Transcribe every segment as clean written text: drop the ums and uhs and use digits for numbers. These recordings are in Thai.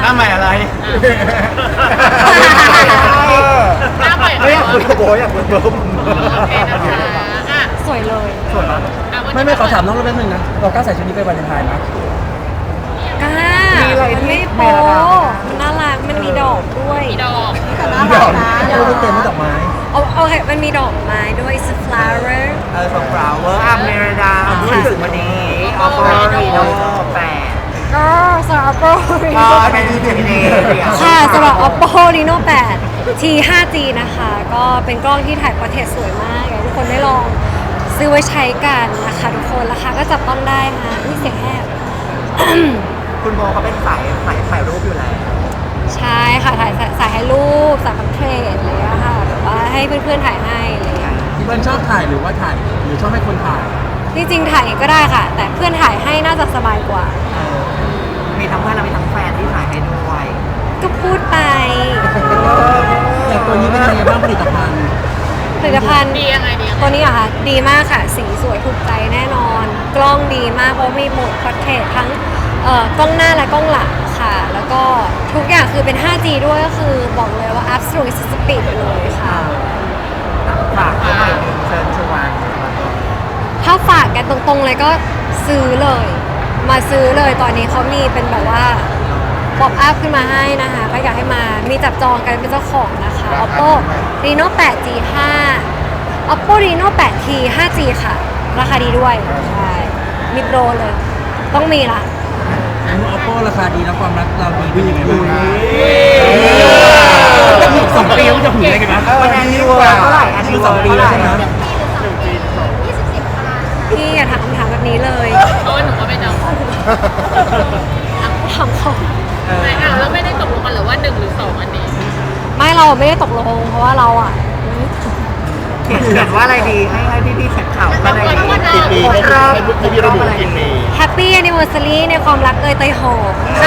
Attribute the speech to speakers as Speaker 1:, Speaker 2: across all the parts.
Speaker 1: หน้าใหม่อะไร
Speaker 2: หน้าใหม่
Speaker 1: ไม่อยากคุยกับโบอยากคุยกับโบ
Speaker 2: โอเคนะคะอ่ะ
Speaker 3: สวยเลย
Speaker 1: ส่วนนั้น
Speaker 4: ไม่ขอถามน้องเราแป๊บนึงนะเรากล้าใส่ชุดนี้ไปวาเลนไทน์ไหม
Speaker 3: กล้ามันไม่โป๊มันน่ารักมันมีดอกด้วย
Speaker 2: มีดอก
Speaker 3: แต่น่ารักนะ
Speaker 4: เราไม่เต็มไม่ดอกไม้
Speaker 3: โอเคมันมีดอกไม้ด้วย is a flower
Speaker 1: ส่งฟลาวเวอร์อัมเมริดารู้สึกวันนี้ออปโปรีโน8
Speaker 3: ก็สำหรับ Oppo
Speaker 1: ก็เป็นที่ดี
Speaker 3: ค่ะสำหรับ Oppo Reno 8 T 5G นะคะ ก็เป็นกล้องที่ถ่ายพอร์เทรตสวยมากอยากให้ทุกคนได้ลองซื้อไว้ใช้กันนะคะทุกคนราคาก็จับต้องได้นะนี่เสียงแหบ
Speaker 1: คุณโบเขาเป็นถ่ายรูปอยู่แล้ว
Speaker 3: ใช่ค่ะถ่ายให้รูปสายพันเทรดอะไรอย่างเลยค่ะแบบว่าให้เพื่อนๆถ่ายให้อะไรอย่างเงี้ย
Speaker 4: พี่เบิ้ลชอบถ่ายหรือว่าถ่ายหรือชอบให้คนถ่าย
Speaker 3: จริงๆถ่ายเองก็ได้ค่ะ แต่เพื่อนถ่ายให้น่าจะสบายกว่า
Speaker 1: มีทั้งเพื่อนและมีทั้งแฟนที่ถ่ายให้ด้วย
Speaker 3: ก็พูดไป
Speaker 4: อย่างตัวนี้เป็นยังไงบ้างผลิตภัณฑ์
Speaker 3: ผลิตภัณฑ์
Speaker 2: ดียังไงดียังไง
Speaker 3: ตัวนี้เหรอะค่ะดีมากค่ะสีสวยถูกใจแน่นอน กล้องดีมากเพราะมีโหมดพอร์เทรตทั้งกล้องหน้าและกล้องหลังค่ะ แล้วก็ทุกอย่างคือเป็น 5G ด้วยก็คือบอกเลยว่า absolute speed ไปเลยค่ะ
Speaker 1: ฝากเขาหน่อยนึงเชิญชวน
Speaker 3: ถ้าฝากกันตรงๆเลยก็ซื้อเลย มาซื้อเลยตอนนี้เขามีเป็นแบบว่าป๊อปอัพขึ้นมาให้นะคะก็อยากให้มามีจับจองกันเป็นเจ้าของนะคะ Oppo Reno 8G 5 Oppo Reno 8T 5G ค่ะ ราคาดีด้วย ใช่ มีโปรเลย ต้องมีละ
Speaker 4: อันนี้ Oppo ราคาดีแล้วความรักเราดีขึ้นยังไงบ้าง2 ปีจะถึงได้กันนะ
Speaker 1: วันนี้เวอร์เท่าไหร่อันนี้2 ปีแล้วใช่ไหม
Speaker 3: พี่อย่าถามคำถามแบบนี้เลย
Speaker 2: เพราะว่าหนูก็ไม่จำ
Speaker 3: ถามเขา
Speaker 2: ไม่อ่ะแล้วไม่ได้ตกลงกันหรือว่า1 หรือ 2อันนี้
Speaker 3: ไม่เราไม่ได้ตกลง เพราะว่าเราอ่ะ
Speaker 1: เขียนว่าอะไรดีให้พี่ๆเขียนข่าวว่าอะไรดี
Speaker 2: กี่ปี
Speaker 1: ให้พี่ระบุกี่ปี
Speaker 3: Happy Anniversary ในความรักเตยหอมค่ะ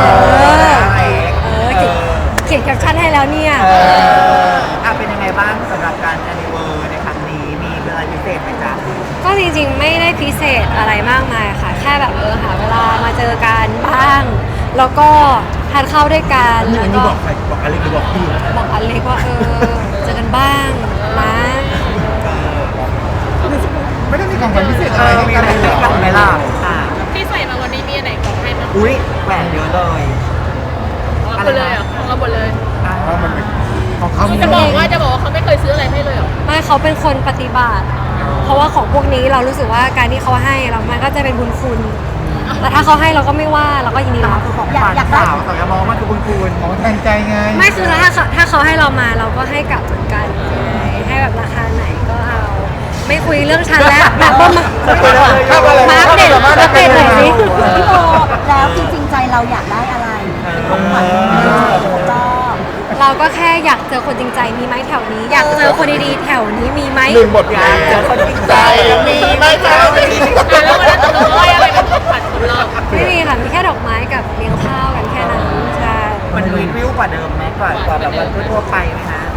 Speaker 3: เขียนแคปชั่นให้แล้วเนี่ย
Speaker 1: เป็นยังไงบ้างสำหรับการแอนนิเวอร์ในครั้งนี้มีอะไรพิเศษไหมจ๊ะ
Speaker 3: ก็จริงๆไม่ได้พิเศษอะไรมากมายค่ะ แค่แบบหาเวลามาเจอกันบ้าง แล้วก็ทานข้าวด้วยกัน
Speaker 4: อัน
Speaker 3: แล้ว
Speaker 4: นี้
Speaker 3: ก็
Speaker 4: บอกใครบอกอะไรหรือบอกพี่
Speaker 3: บอกอเล็กว่าเจอกันบ้างนะ
Speaker 5: ไม่ได้มีของขวัญพิเศษอะไรให้
Speaker 1: มี
Speaker 5: กั
Speaker 1: อะ
Speaker 5: น
Speaker 1: ไร
Speaker 5: เลยเหร
Speaker 1: ให้กันไหม
Speaker 5: อ
Speaker 1: ล่ะ
Speaker 2: ที่ใส่มาวันนี้มีอันไหนของใครบ้าง
Speaker 1: อุ้ยแหวนเยอะเลย
Speaker 2: ของเราหมดเลยเหรอของเราหมดเลย
Speaker 5: เพราะมันเป็นของเขา
Speaker 2: จะบอกว่าเขาไม่เคยซื้ออะไรให้เลยเหรอ
Speaker 3: ไม่เขาเป็นคนปฏิบัติ เพราะว่าของพวกนี้เรารู้สึกว่าการที่เขาให้เรามันก็จะเป็นบุญคุณ แต่ถ้าเขาให้เราก็ไม่ว่าเราก็ยินดีรับ
Speaker 1: ของอยากสาวแต่มองมันคือบุญคุณ
Speaker 5: ของแทนใจไง
Speaker 3: ไม่คือถ้าเขาให้เรามาเราก็ให้กลับเหมือนกันให้แบบราคาไหนก็เอา ไม่คุยเรื่องฉันแล้วแบบว่ามาอัปเดตหน่อยสิ
Speaker 6: พี่โบแล้วจริงๆใจเราอยากได้อะไรของขวัญก็
Speaker 3: เราก็แค่อยากเจอคนจริงใจมีไหมแถวนี้ อยากเจอคนดีๆแถวนี้มีไหม
Speaker 5: ลืมหมด
Speaker 1: อ
Speaker 5: เล
Speaker 1: ยาก
Speaker 5: ย
Speaker 1: เจอคนจริงใจมีไหมจ๊ะ
Speaker 2: แล้ววันนั้นตกลงว่าอะไรเป็นของขวัญของเรา
Speaker 3: ไม่มีค่ะมีแค่ดอกไม้กับเลี้ยงข้าวกันแค่นั้นใช่
Speaker 1: มันวิวกว่าเดิมไหมกว่าแบบวันทั่วไปไหมฮะ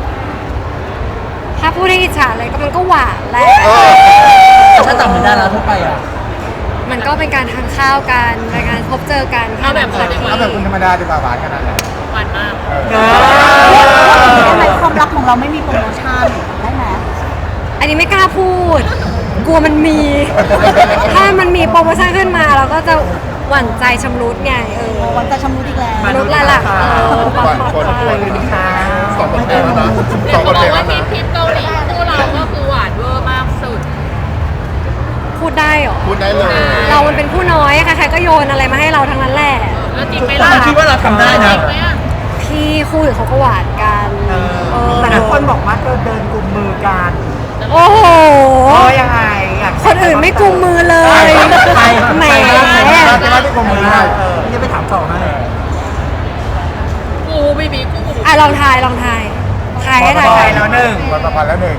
Speaker 3: ถ้าพูดให้อิจฉาเลยก็มันก็หวานแหละ
Speaker 4: ถ้าจำไม่ได้แล้วทั่วไปอ่ะ
Speaker 3: มันก็เป็นการทานข้าวกันเป็นการพบเจอกัน
Speaker 2: เอาแบบคนดีกว่า
Speaker 5: เอาแบบคุณธรรมดาดีกว่าหวานขนาดไหน
Speaker 2: หวานมาก
Speaker 6: ทำไมความรักของเราไม่มีโปรโมชั่นได้ไหม
Speaker 3: อันนี้ไม่กล้าพูด กลัวมันมี ถ้ามันมีโปรโมชั่นขึ้นมาเราก็จะหวั่นใจชำรุดไง
Speaker 6: วันจะชำรุดอีกแล้ว
Speaker 3: ชำรุดละล่ะความปลอดภัย
Speaker 5: 2 ประเทศแล้วนะ
Speaker 2: เดี๋ยวเขาบอกว่าทริปเกาหลีคู่เราก็คือหวานเวอร์มากสุด
Speaker 3: พูดได้เหรอ
Speaker 5: พูดได้เลย
Speaker 3: เรามันเป็นผู้น้อยใครๆก็โยนอะไรมาให้เราทั้งนั้นแหละ
Speaker 2: แล้วจริงไหม
Speaker 4: แต่
Speaker 2: ล่ะ
Speaker 4: เราคิดว่าเราทำได้
Speaker 2: จ
Speaker 4: นะ
Speaker 2: ริงไหมอ่ะ
Speaker 3: พี่คู่อื่นเขาก็หวานกันเ
Speaker 1: แต่ละคนบอกว่าเดินกุมมือกัน
Speaker 3: โอ้โห
Speaker 1: ยังไงอยาก
Speaker 3: คนอื่นไม่กุมมือเลย
Speaker 4: ใคร
Speaker 3: แหม
Speaker 5: จะมาที่กรมมือได้
Speaker 4: นี่ไปถามต่อให้
Speaker 2: กูบีบีกู
Speaker 3: อ่ะลองทายทายให้ทาย
Speaker 1: ไปแล้วหนึ่ง
Speaker 5: วันประพันธ์แล้วหนึ่ง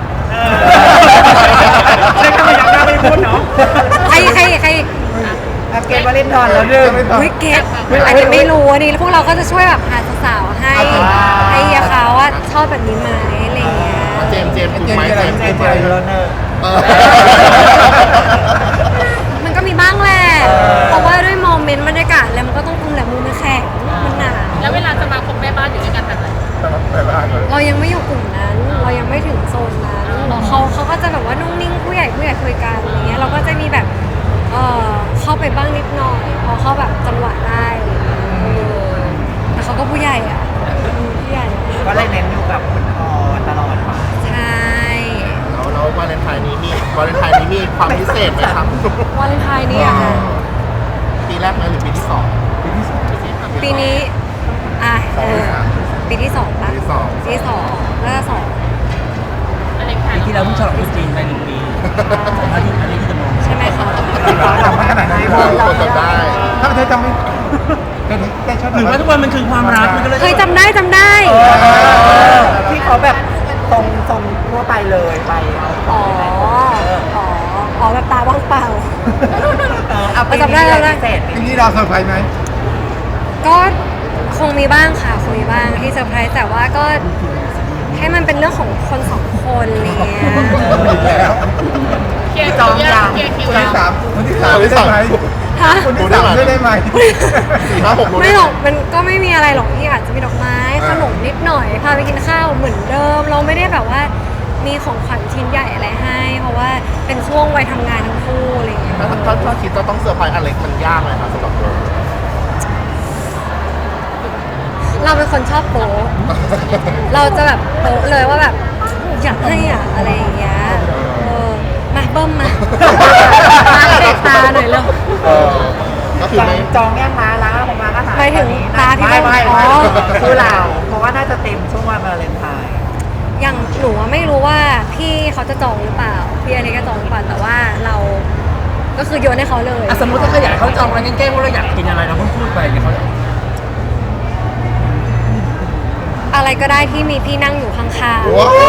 Speaker 1: ใช่ทำไมยังไม่พูดเนาะ
Speaker 3: ใคร
Speaker 1: เกมวาเลนทอนแล้วหนึ่ง
Speaker 3: วิกเก็ตอันนี้ไม่รู้อันนี้พวกเราก็จะช่วยแบบหาสาวๆให้เฮียเขาว่าชอบแบบนี้ไหมอะไรอย่างเงี้ย
Speaker 5: เจมส์ถูกไหมเจมส์
Speaker 1: เจ
Speaker 5: ถู
Speaker 1: อก
Speaker 5: ไหม
Speaker 1: แล้วหนึ่ง
Speaker 3: มันก็มีบ้างแหละเพราะว่าด้วยโมเมเมนต์บรรยากาศแล้วมันก็ต้องคุมแหละมือมันแข็งมันหนา
Speaker 2: แล้วเวลาจะมาคบแม่บ้านอยู่ด้วยกันแบบไหน
Speaker 5: สำหรับไปบ้านเลย
Speaker 3: เรายังไม่อยู่กลุ่มนั้น เรายังไม่ถึงโซนนั้นเขาก็จะแบบว่านุ่งนิ่งผู้ใหญ่คุยกันอะไรเงี้ยเราก็จะมีแบบเข้าไปบ้างนิดหน่อยพอเข้าแบบจังหวะได้แต่เขาก็ผู้ใหญ่อ่ะผู้ใหญ่
Speaker 1: ก็เลยเน้นอยู่กับคุณพ่อตลอดมา
Speaker 3: ใช่
Speaker 5: แล้ววาเลนไทน์นี้มีความพิเศษไหมครับ
Speaker 3: วาเลนไทน์นี่อะค่ะ
Speaker 5: ปีแรกไหมหรือปีที่สอง
Speaker 3: ปีนี้ปีที่สองปะ
Speaker 5: ปีที่สอง
Speaker 3: ปีที่สองแล้วก็สอง
Speaker 2: อะไรค่ะ
Speaker 4: ปีที่แล้วเพิ่งฉลองตรุษจีนไป1 ปีอันนี้ที่จะมอง
Speaker 3: ใช่ไหมคะ
Speaker 5: จำไม่ขนาดไหนคนจำได้ถ้าเธอจำไม่แต่ชอบ
Speaker 4: หรือว่าทุกวันมันคือความรักมันก็เลย
Speaker 3: เคยจำได้
Speaker 1: ที่เขาแบบตรงทั่วไปเลยไปเอา
Speaker 3: อ๋อแบบตาว่างเปล่า
Speaker 1: เอาไป
Speaker 3: จำได้
Speaker 1: พิเศษ
Speaker 5: ปีนี้เราเซอร์ไพรส์ไหม
Speaker 3: ก็คงมีบ้างค่ะคงมีบ้างที่เซอร์ไพรส์แต่ว่าก็ให้มันเป็นเรื่องของคนสองคนอะไรเงี้ย
Speaker 5: แล้ว
Speaker 2: เคลียร์คิวยังเคลียร์คิว
Speaker 5: คน
Speaker 2: ยัง
Speaker 5: ที่สามได้ไหม
Speaker 3: ฮะ
Speaker 5: คนที่สามได้ไหม4-5-6
Speaker 3: ไม่หรอกมันก็ไม่มีอะไรหรอกที่อาจจะมีดอกไม้ขนมนิดหน่อยพาไปกินข้าวเหมือนเดิม เราไม่ได้แบบว่ามีของขวัญชิ้นใหญ่อะไรให้ เพราะว่าเป็นช่วงวัยทำงานทั้งคู่อะไรเงี้ย
Speaker 5: ถ้าคิดว่าต้องเซอร์ไพรส์อเล็กมันยากไหมครับสำหรับเรา
Speaker 3: เราเป็นคนชอบโป๊ะเราจะแบบโป๊ะเลยว่าแบบอยากให้อะอะไรอย่างเงี้ยมาเบิ้มมาเด็กตาหน่อยเร็ว
Speaker 5: ก็คือไม่
Speaker 1: จองแย่งม้าล้างของม้าก็หาย
Speaker 3: หมายถึงตาที่
Speaker 1: ไม่
Speaker 3: อ๋อ
Speaker 1: คือเราเพราะว่าน่าจะเต็มช่วงวันวาเลนไทน์
Speaker 3: อย่างหนูอะไม่รู้ว่าพี่เขาจะจองหรือเปล่าพี่อะไรก็จองหรือเปล่าแต่ว่าเราก็คือโยนให้เขาเลย
Speaker 4: สมมติถ้าเขาอยากเขาจองอะไรแกล้งๆว่าเราอยากกินอะไรเราพูดไปเดี๋ยวเขา
Speaker 3: อะไรก็ได้ที่มีพี่นั่งอยู่ข้าง
Speaker 5: ว้าว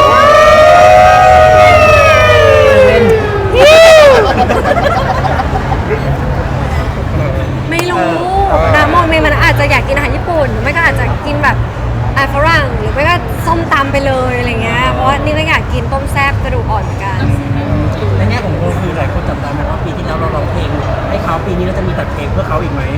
Speaker 3: ๆไม่รู้นะโมเมนต์มันอาจจะอยากกินอาหารญี่ปุ่นหรือไม่ก็อาจจะกินแบบอาหารฝรั่งหรือไม่ก็ส้มตำไปเลยอะไรเงี้ยเพราะว่านี่ก็อยากกินต้มแซ่บกระดูกอ่อนเหมือนกัน
Speaker 4: ในแง่ของโมคือหลายคนจำได้ไหมว่าปีที่แล้วเราร้องเพลงให้เขาปีนี้เราจะมีตัดเพลงเพื่อเขาอีกไหม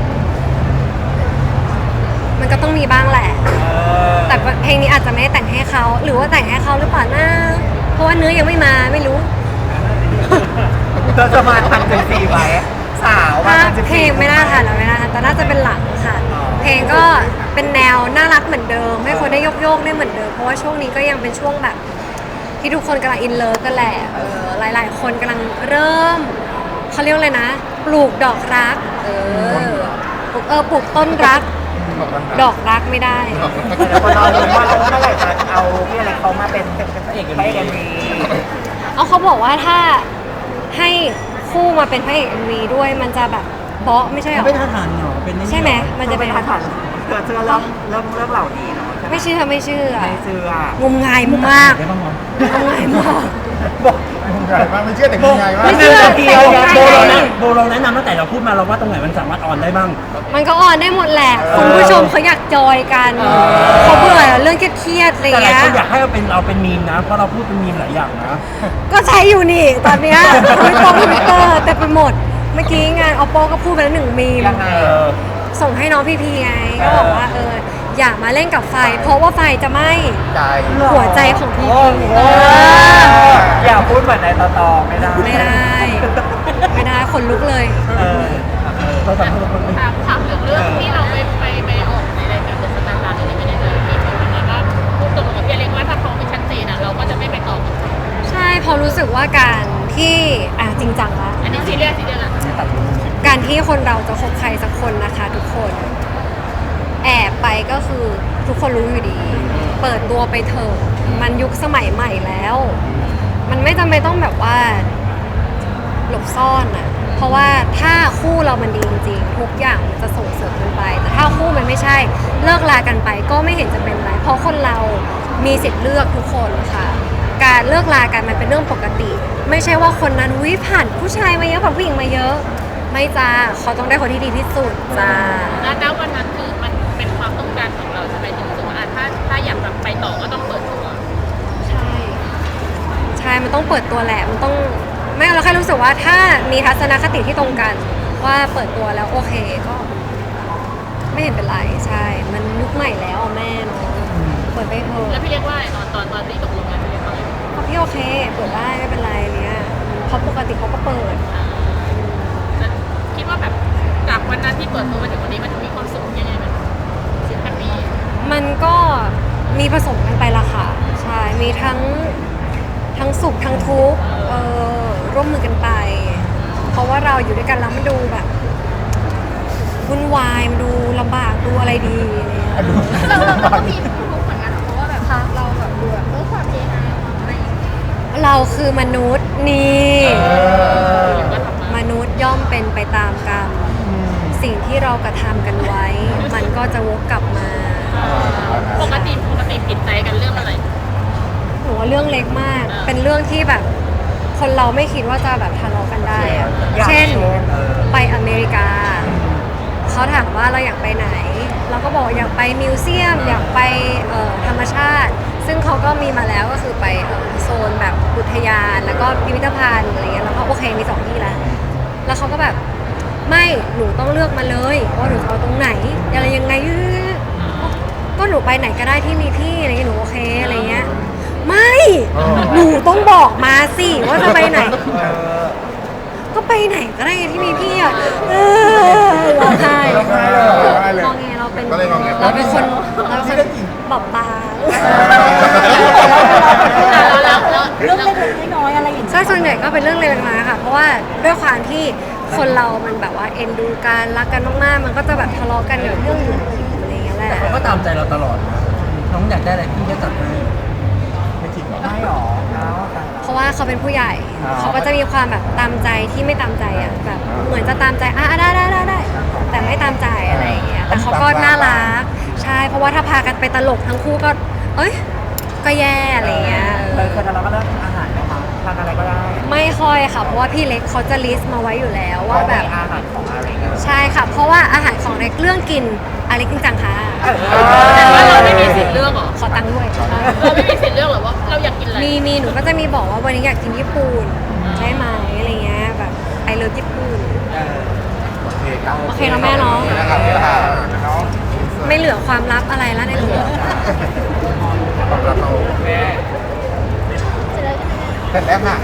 Speaker 3: มันก็ต้องมีบ้างแหละ แต่เพลงนี้อาจจะไม่ได้แต่งให้เขาหรือว่าแต่งให้เขาหรือเปล่านะเพราะว่าเนื้อยังไม่มาไม่รู้
Speaker 1: เธอจะมาทันกันสี่ไหมสาวมา
Speaker 3: ถ้า
Speaker 1: ทันกัน
Speaker 3: เพลงไม่น่าทันหรอกไม่น่าทันแต่น่าจะเป็นหลังค่ะ เพลงก็เป็นแนวน่ารักเหมือนเดิมให้คนได้โยกได้เหมือนเดิมเพราะว่าช่วงนี้ก็ยังเป็นช่วงแบบที่ทุกคนกำลังอินเลิฟกันแหละหลายๆ คนกำลังเริ่มเขาเรียกว่าอะไรนะ ปลูกดอกรักปลูกต้นรัก ดอกรักไม่ได้
Speaker 1: แต่คนรอรู้ว่าเมื่อไหร่จะเอาพี่อะไรเขามาเป็นพระเอกกันดี
Speaker 3: เอาเขาบอกว่าถ้าให้คู่มาเป็นพระเอก MV ด้วยมันจะแบบเบาะไม่ใช่หรอ
Speaker 4: ไม่ท่าทางเหรอเป็น
Speaker 3: ใช่ไหมมันจะ
Speaker 1: เป็
Speaker 3: เป็น น
Speaker 1: ทันทันเธอเชื่อเรื่องเหล่านี้เนาะ
Speaker 3: ไม่เชื่อ
Speaker 1: ไม่เชื่อง
Speaker 3: มงายมาก
Speaker 4: ได้บ้างมั้ย
Speaker 3: งมงายมาก
Speaker 5: บอกใหญ่มากไม่เชื่อแต่คุณใหญ่มาก
Speaker 3: ไม่เชื่อ
Speaker 4: โบเราแนะนำตั้งแต่เราพูดมาเราว่าตรงไหนมันสามารถออนได้บ้าง
Speaker 3: มันก็ออนได้หมดแหละคุณผู้ชมเขาอยากจอยกันเขาเบื่อเรื่องเครียดๆอะไร
Speaker 4: แต่หลาย
Speaker 3: เงี้
Speaker 4: ค
Speaker 3: ย
Speaker 4: นอยากให้เราเป็นมีมนะเพราะเราพูดเป็นมีมหลายอย่างนะ
Speaker 3: ก็ใช้อยู่นี่ตอนเนี้ยทวิตเตอร์แต่ไปหมดเมื่อกี้งาน oppo ก็พูดไปแล้ว1 มีม
Speaker 1: ยังไง
Speaker 3: ส่งให้น้องพี่ไงก็บอกว่าอย่ามาเล่นกับไฟ เพราะว่าไฟจะไหม้
Speaker 5: ใจ
Speaker 3: หัวใจของพี่
Speaker 1: อย่าพูดเหมือนในต่อไม่ได้
Speaker 3: ไม่ได้ขนลุกเลย
Speaker 4: เราสามารถ
Speaker 2: ถามถึงเรื่องที่เราไปออกในรายการเดอะสตาร์อะไรไม่ได้เลยมีคนวันนั้นก็พูดตรงกับพี่เล็กว่าถ้าเขาไม่ชัดเจนอ่ะเราก็จะไม่ไปต่อกับเขา
Speaker 3: ใช่เพอรู้สึกว่าการที่จริงจังละ
Speaker 2: อันนี้ซีเรียสละ
Speaker 3: การที่คนเราจะคบใครสักคนนะคะทุกคนแอบไปก็คือทุกคนรู้อยู่ดี เปิดตัวไปเถอะมันยุคสมัยใหม่แล้ว มันไม่จำเป็นต้องแบบว่าหลบซ่อนอะเพราะว่าถ้าคู่เรามันดีจริงๆทุกอย่างมันจะส่งเสริมกันไป แต่ถ้าคู่มันไม่ใช่เลิกลากันไปก็ไม่เห็นจะเป็นไรเพราะคนเรามีสิทธิ์เลือกทุกคนค่ะ การเลิกลากันมันเป็นเรื่องปกติ ไม่ใช่ว่าคนนั้นผ่านผู้ชายมาเยอะผ่านผู้หญิงมาเยอะ ไม่จ้าเขาต้องได้คนที่ดีที่สุดจ้า
Speaker 2: แล้ววันนั้นคือมันเป็นความต้องการของเราใช่ไหมถึงรู้สึกว่าถ้าอยากแบบไปต่อก็ต้องเปิดตัว
Speaker 3: ใช่ ใช่ มันต้องเปิดตัวแหละ มันต้องไม่เราแค่รู้สึกว่าถ้ามีทัศนคติที่ตรงกันว่าเปิดตัวแล้วโอเคก็ไม่เห็นเป็นไรใช่ มันยุคใหม่แล้วอะแม่เนาะเปิดไปเถอะ
Speaker 2: แล้วพี่เรียกว่าอะไรตอนที่ตกลงกันพี่เรียกว่าอะไร
Speaker 3: เขาพี่โอเคเปิดได้ไม่เป็นไรเนี้ยเพราะปกติเขาก็เปิด
Speaker 2: แล้วคิดว่าแบบจากวันนั้นที่เปิดตัวมาถึงวันนี้มันมีความสุขยังไงมันแฮปปี้
Speaker 3: มันก็มีผสมกันไปละค่ะใช่มีทั้งสุขทั้งทุกข์ร่วมมือกันไป เพราะว่าเราอยู่ด้วยกันแล้วมันดูแบบวุ่นวายมันดูลำบากดูอะไรดีอะไรเงี้ย
Speaker 2: เราก็มีทุกข์เหมือนกันเพราะว่าแบบเราแบบดูแบบความเองอะไรอย่างเงี้ย
Speaker 3: เราคือมนุษย์นี่
Speaker 2: ก็ทำมาม
Speaker 3: นุษย์ย่อมเป็นไปตามกรรมสิ่งที่เรากระทำกันไว้ มันก็จะวกกลับมา
Speaker 2: ปกติผิดใจกันเรื่องอะไร
Speaker 3: หนูว่าเรื่องเล็กมาก เป็นเรื่องที่แบบคนเราไม่คิดว่าจะแบบทะเลาะกันได้อะเช่นไปอเมริกา เขาถามว่าเราอยากไปไหน เราก็บอกอยากไปมิวเซียม อยากไปธรรมชาติ ซึ่งเขาก็มีมาแล้วก็คือไปโซนแบบอุทยานแล้วก็พิพิธภัณฑ์อะไรเงี้ยแล้วก็โอเคมี2 ที่แล้ว แล้วเขาก็แบบไม่หนูต้องเลือกมาเลยว่าหนูจะเอาตรงไหนอะไรยังไงก็หนูไปไหนก็ได้ที่มีพี่อะไรเงี้ยหนูโอเคอะไรเงี้ยไม่หนูต้องบอกมาสิว่าจะไปไหน ก็ไปไหนก็ได้ที่มีพี่อ่ะร้องไห้
Speaker 5: ร้องไห้เลยร้องไห้เลย
Speaker 3: งอแงเราเป็น
Speaker 5: ก็เลยงอแง
Speaker 3: เราเป็นคนบอบบาง
Speaker 6: เรื่องเล็กๆน้อยๆอะไรอย่างเงี้ย
Speaker 3: ใช่ส่วนใหญ่ก็เป็นเรื่องเล็กๆน้อยๆค่ะ เพราะว่าด้วยความที่คนเรามันแบบว่าเอ็นดูกันรักกันมากๆมันก็จะแบบทะเลาะกันเรื่องอื่นๆอะไรอย่างเงี้ยแหละ
Speaker 4: แต่เขาก็ตามใจเราตลอดนะน้องอยากได้อะไรพี่ก็จัดให้
Speaker 5: ไม่จริงเหรอ
Speaker 1: ไม่หรอแล้วแต่
Speaker 3: เพราะว่าเขาเป็นผู้ใหญ่
Speaker 5: อ๋อ
Speaker 3: เขาก็จะมีความแบบตามใจที่ไม่ตามใจอ่ะแบบเหมือนจะตามใจได้แต่ไม่ตามใจอะไรอย่างเงี้ยแต่เขาก็น่ารักใช่เพราะว่าถ้าพากันไปตลกทั้งคู่ก็เอ้ยก็แย่อะไรอย่างเงี้ย
Speaker 1: เคยทะเลาะกันเรื่องอาหารไหมคะทานอะไรก็ได้
Speaker 3: ไม่ค่อยค่ะเพราะว่าพี่เล็กเขาจะลิสต์มาไว้อยู่แล้วว่าแบบ
Speaker 1: อาหารของอะไรเงี้ย
Speaker 3: ใช่ค่ะ เพราะว่าอาหารของเล็กเรื่องกินอะไรกินจังค่ะ
Speaker 2: แต่ว่าเราไม่มีสิทธิ์เลือกเหรอ
Speaker 3: ขอตังค์ด้วย
Speaker 2: เราไม่มีสิทธิ์เลือกเหรอว่าเราอยากกินอะไร
Speaker 3: มีหนูก็จะมีบอกว่าวันนี้อยากกินญี่ปุ่นใช่ไหมอะไรเงี้ยแบบไอเลิฟญี่ปุ่น
Speaker 5: โอเคครับ
Speaker 3: โอเคแล้วแม่เนาะ
Speaker 5: นะครับพี่ค่ะน้อง
Speaker 3: ไม่เหลือความลับอะไรแล้วในหัว
Speaker 5: ขอบคุณเราเสร็จแล้วค่ะ